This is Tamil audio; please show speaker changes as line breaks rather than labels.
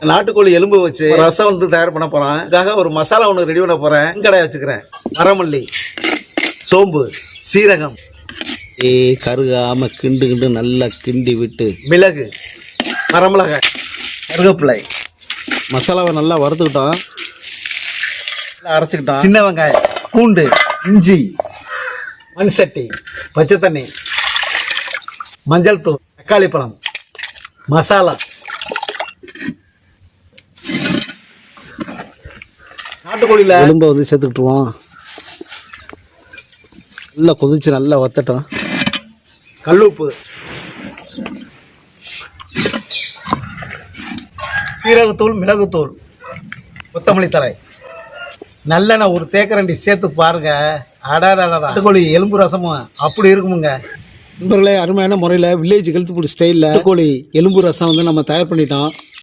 நாட்டுக்கோழி எலும்பு வச்சு ரசம் வந்து தயார் பண்ண போறேன். இதுக்காக ஒரு மசாலா ஒன்று ரெடி பண்ண போறேன். கடாய் வச்சுக்கிறேன். வரமல்லி, சோம்பு, சீரகம்,
கருகாம கிண்டு நல்லா கிண்டி விட்டு
மிளகு, வரமிளகாய், கருவேப்பிலை,
மசாலாவை நல்லா வறுத்துக்கிட்டோம்,
அரைச்சிக்கிட்டோம். சின்ன வெங்காயம், பூண்டு, இஞ்சி, மண் சட்டி, பச்சை தண்ணி, மஞ்சள் தூள், தக்காளி பழம், மசாலா, நாட்டுக்கோழியில்
எலும்பை வந்து சேர்த்துக்கிட்டுருவோம். நல்லா கொதிச்சு நல்லா வத்தட்டும்.
கல்லுப்பு, சீரகத்தூள், மிளகுத்தூள், கொத்தமல்லி தழை, நல்லெண்ணெய் ஒரு தேக்கரண்டி சேர்த்து பாருங்க. நாட்டுக்கோழி எலும்பு ரசமும் அப்படி இருக்குமுங்க.
நண்பர்களே, அருமையான முறையில் வில்லேஜ் ஹெல்த் ஃபுட் ஸ்டைலில் கோழி எலும்பு ரசம் வந்து நம்ம தயார் பண்ணிட்டோம்.